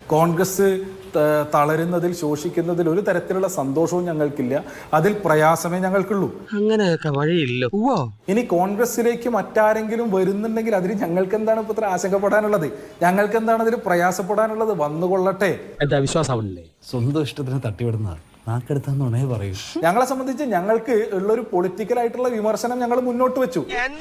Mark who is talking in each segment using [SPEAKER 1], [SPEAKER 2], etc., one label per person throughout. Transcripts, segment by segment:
[SPEAKER 1] കോൺഗ്രസ് തളരുന്നതിൽ ശോഷിക്കുന്നതിൽ ഒരു തരത്തിലുള്ള സന്തോഷവും ഞങ്ങൾക്കില്ല, അതിൽ പ്രയാസമേ ഞങ്ങൾക്കുള്ളൂ.
[SPEAKER 2] അങ്ങനെയൊക്കെ വഴിയില്ല.
[SPEAKER 1] ഇനി കോൺഗ്രസിലേക്ക് മറ്റാരെങ്കിലും വരുന്നുണ്ടെങ്കിൽ അതിൽ ഞങ്ങൾക്ക് എന്താണ് ഇപ്പൊ ഇത്ര ആശങ്കപ്പെടാനുള്ളത്? ഞങ്ങൾക്ക് എന്താണ് അതിൽ പ്രയാസപ്പെടാനുള്ളത്? വന്നുകൊള്ളട്ടെ.
[SPEAKER 3] എന്താ വിശ്വാസമാവണില്ലേ? സ്വന്തം ഇഷ്ടത്തിന് തട്ടിവിടുന്നതാണ്. നാക്കെടുത്താന്നുണേ പറയൂ.
[SPEAKER 1] ഞങ്ങളെ സംബന്ധിച്ച് ഞങ്ങൾക്ക് ഉള്ളൊരു പൊളിറ്റിക്കൽ ആയിട്ടുള്ള വിമർശനം ഞങ്ങൾ മുന്നോട്ട് വെച്ചു.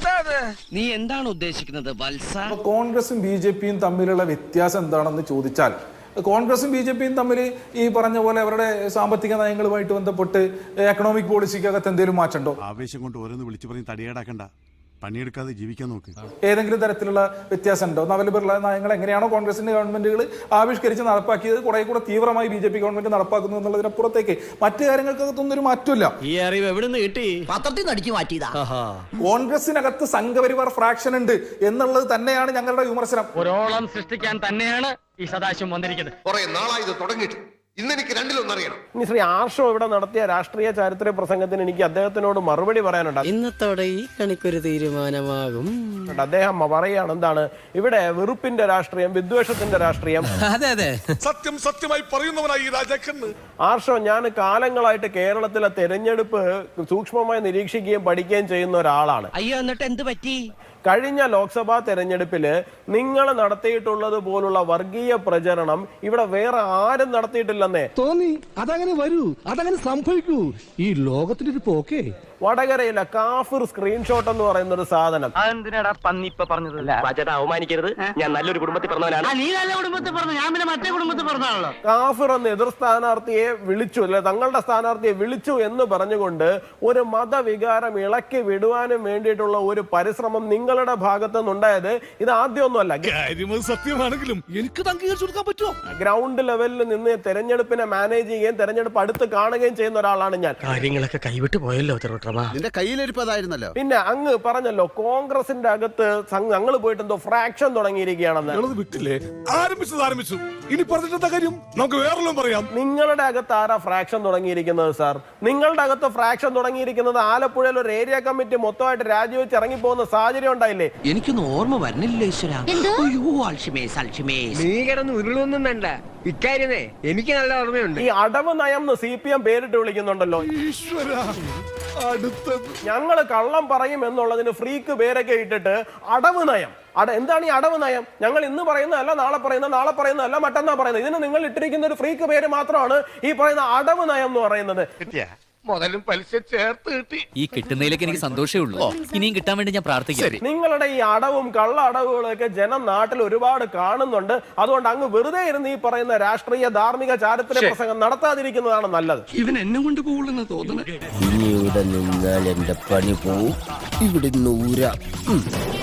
[SPEAKER 2] നീ എന്താണ് ഉദ്ദേശിക്കുന്നത് വത്സ?
[SPEAKER 1] കോൺഗ്രസും BJPയും തമ്മിലുള്ള വ്യത്യാസം എന്താണെന്ന് ചോദിച്ചാൽ, കോൺഗ്രസും BJPയും തമ്മിൽ ഈ പറഞ്ഞ പോലെ അവരുടെ സാമ്പത്തിക നയങ്ങളുമായിട്ട് ബന്ധപ്പെട്ട് എക്കണോമിക് പോളിസിക്കകത്ത് എന്തെങ്കിലും മാറ്റമുണ്ടോ?
[SPEAKER 4] ആവേശം കൊണ്ട് ഓരോന്ന് വിളിച്ചു പറഞ്ഞ് തടിയേടാക്കണ്ട, പണിയെടുക്കാതെ ജീവിക്കാൻ നോക്ക്.
[SPEAKER 1] ഏതെങ്കിലും തരത്തിലുള്ള വ്യത്യാസം ഉണ്ടോ? നവലിബറൽ നയങ്ങൾ എങ്ങനെയാണോ കോൺഗ്രസിന്റെ ഗവൺമെന്റുകൾ ആവിഷ്കരിച്ച് നടപ്പാക്കിയത് കുറെ കൂടെ തീവ്രമായി BJP ഗവൺമെന്റ് നടപ്പാക്കുന്നു എന്നുള്ളതിനപ്പുറത്തേക്ക് മറ്റു കാര്യങ്ങൾക്കകത്തൊന്നും ഒരു മാറ്റമില്ല.
[SPEAKER 2] ഈ അറിവ് എവിടെ നിന്ന് കിട്ടി?
[SPEAKER 5] പത്രത്തിൽ നടിച്ചു മാറ്റിയതാ.
[SPEAKER 1] കോൺഗ്രസിനകത്ത് സംഘപരിവാർ ഫ്രാക്ഷൻ ഉണ്ട് എന്നുള്ളത് തന്നെയാണ് ഞങ്ങളുടെ വിമർശനം.
[SPEAKER 6] ഒരോളം സൃഷ്ടിക്കാൻ തന്നെയാണ് ഈ സദാശിവം വന്നിരിക്കുന്നത്.
[SPEAKER 7] കുറെ നാളായി ഇത് തുടങ്ങിയിട്ട്. ഇന്നെനിക്ക് രണ്ടിലൊന്നറിയണം.
[SPEAKER 8] ഇനി ശ്രീ ആർഷോ ഇവിടെ നടത്തിയ രാഷ്ട്രീയ ചാരിത്ര പ്രസംഗത്തിന് എനിക്ക് അദ്ദേഹത്തിനോട് മറുപടി പറയാനുണ്ട്.
[SPEAKER 2] ഇന്നത്തോടെ ഈ കണിക്കൊരു തീരുമാനമാകും.
[SPEAKER 8] അദ്ദേഹം പറയുകയാണ്, എന്താണ് ഇവിടെ വെറുപ്പിന്റെ രാഷ്ട്രീയം, വിദ്വേഷത്തിന്റെ രാഷ്ട്രീയം.
[SPEAKER 2] അതെ അതെ,
[SPEAKER 7] സത്യം സത്യമായി പറയുന്നവനായി രാജാക്കന്ന്.
[SPEAKER 8] ആർഷോ, ഞാൻ കാലങ്ങളായിട്ട് കേരളത്തിലെ തെരഞ്ഞെടുപ്പ് സൂക്ഷ്മമായി നിരീക്ഷിക്കുകയും പഠിക്കുകയും ചെയ്യുന്ന ഒരാളാണ്.
[SPEAKER 2] അയ്യോ, എന്നിട്ട് എന്ത് പറ്റി?
[SPEAKER 8] കഴിഞ്ഞ ലോക്സഭാ തെരഞ്ഞെടുപ്പില് നിങ്ങൾ നടത്തിയിട്ടുള്ളത് പോലുള്ള വർഗീയ പ്രചരണം ഇവിടെ വേറെ ആരും നടത്തിയിട്ടില്ലെന്നേ
[SPEAKER 3] തോന്നി. അതങ്ങനെ വരൂ, അതങ്ങനെ സംഭവിക്കൂ. ഈ ലോകത്തിന്റെ ഒരു പോക്കേ.
[SPEAKER 8] വടകരയിലെ കാഫിർ സ്ക്രീൻഷോട്ട് എന്ന് പറയുന്ന ഒരു സാധനം.
[SPEAKER 6] അതെന്തിനാടാ പന്നി ഇപ്പൊ പറഞ്ഞത്?
[SPEAKER 2] അവമാനിക്കരുത്, ഞാൻ നല്ലൊരു കുടുംബത്തിൽ പറഞ്ഞവനാണ്.
[SPEAKER 6] നീ നല്ല കുടുംബത്തിൽ പറഞ്ഞു, ഞാൻ പിന്നെ മറ്റേ കുടുംബത്തിൽ പറഞ്ഞാണല്ലോ.
[SPEAKER 8] കാഫിർ എന്ന് എതിർ സ്ഥാനാർത്ഥിയെ വിളിച്ചു, അല്ലെ തങ്ങളുടെ സ്ഥാനാർത്ഥിയെ വിളിച്ചു എന്ന് പറഞ്ഞുകൊണ്ട് ഒരു മതവികാരം ഇളക്കി വിടുവാനും വേണ്ടിയിട്ടുള്ള ഒരു പരിശ്രമം നിങ്ങളുടെ ഭാഗത്തു നിന്നുണ്ടായത് ഇത് ആദ്യമൊന്നുമല്ല.
[SPEAKER 3] സത്യമാണെങ്കിലും എനിക്ക് അംഗീകരിച്ചു കൊടുക്കാൻ പറ്റുമോ?
[SPEAKER 8] ഗ്രൗണ്ട് ലെവലിൽ നിന്ന് തെരഞ്ഞെടുപ്പിനെ മാനേജ് ചെയ്യുകയും തെരഞ്ഞെടുപ്പ് അടുത്ത് കാണുകയും ചെയ്യുന്ന ഒരാളാണ് ഞാൻ.
[SPEAKER 2] കാര്യങ്ങളൊക്കെ കൈവിട്ട് പോയല്ലോ.
[SPEAKER 4] നിന്റെ കയ്യിലിരിപ്പതായിരുന്നല്ലോ.
[SPEAKER 8] പിന്നെ അങ്ങ് പറഞ്ഞല്ലോ കോൺഗ്രസിന്റെ അകത്ത് ഞങ്ങൾ പോയിട്ട് എന്തോ ഫ്രാക്ഷൻ തുടങ്ങിയിരിക്കുകയാണെന്ന്.
[SPEAKER 7] വിട്ടില്ലേ? ആരംഭിച്ചു. ഇനി പറഞ്ഞിട്ടെന്താ കാര്യം? നമുക്ക് വേറെല്ലാം പറയാം.
[SPEAKER 8] നിങ്ങളുടെ അകത്ത് ആരാ ഫ്രാക്ഷൻ തുടങ്ങിയിരിക്കുന്നത് സാർ? നിങ്ങളുടെ അകത്ത് ഫ്രാക്ഷൻ തുടങ്ങിയിരിക്കുന്നത് ആലപ്പുഴയിൽ ഒരു ഏരിയ കമ്മിറ്റി മൊത്തമായിട്ട് രാജിവെച്ച് ഇറങ്ങിപ്പോകുന്ന സാഹചര്യം ഉണ്ടായില്ലേ?
[SPEAKER 2] എനിക്കൊന്നും ഓർമ്മ വരുന്നില്ല ഈശ്വര.
[SPEAKER 5] നീ കിടന്ന് ഉരുളൊന്നും വേണ്ട, ഇക്കാര്യമേ എനിക്ക് നല്ല ഓർമ്മയുണ്ട്.
[SPEAKER 8] ഈ അടവ് നയം എന്ന് CPM പേരിട്ട് വിളിക്കുന്നുണ്ടല്ലോ. ഞങ്ങള് കള്ളം പറയും എന്നുള്ളതിന് ഫ്രീക്ക് പേരൊക്കെ ഇട്ടിട്ട് അടവ് നയം. എന്താണ് ഈ അടവ് നയം? ഞങ്ങൾ ഇന്ന് പറയുന്നതല്ല, നാളെ പറയുന്നതല്ല, മറ്റന്നാ പറയുന്നത്. ഇതിന് നിങ്ങൾ ഇട്ടിരിക്കുന്ന ഒരു ഫ്രീക്ക് പേര് മാത്രമാണ് ഈ പറയുന്ന അടവ് നയം എന്ന് പറയുന്നത്.
[SPEAKER 7] മുതലും പലിശ ചേർത്ത് കിട്ടി.
[SPEAKER 9] ഈ കിട്ടുന്നതിലേക്ക് എനിക്ക് സന്തോഷമേ ഉള്ളൂ. ഇനിയും കിട്ടാൻ വേണ്ടി ഞാൻ പ്രാർത്ഥിക്കാം.
[SPEAKER 8] നിങ്ങളുടെ ഈ അടവും കള്ള അടവുകളൊക്കെ ജനം നാട്ടിൽ ഒരുപാട് കാണുന്നുണ്ട്. അതുകൊണ്ട് അങ്ങ് വെറുതെ ഇരുന്ന് ഈ പറയുന്ന രാഷ്ട്രീയ ധാർമ്മിക ചാരിത്ര പ്രസംഗം നടത്താതിരിക്കുന്നതാണ് നല്ലത്.
[SPEAKER 2] ഇവൻ എന്നെ കൊണ്ട് പോകുള്ളെന്ന് തോന്നുന്നു.
[SPEAKER 5] ഇനി ഇവിടെ നിന്നാൽ എന്റെ പണി പോവും. ഇവിടെ 100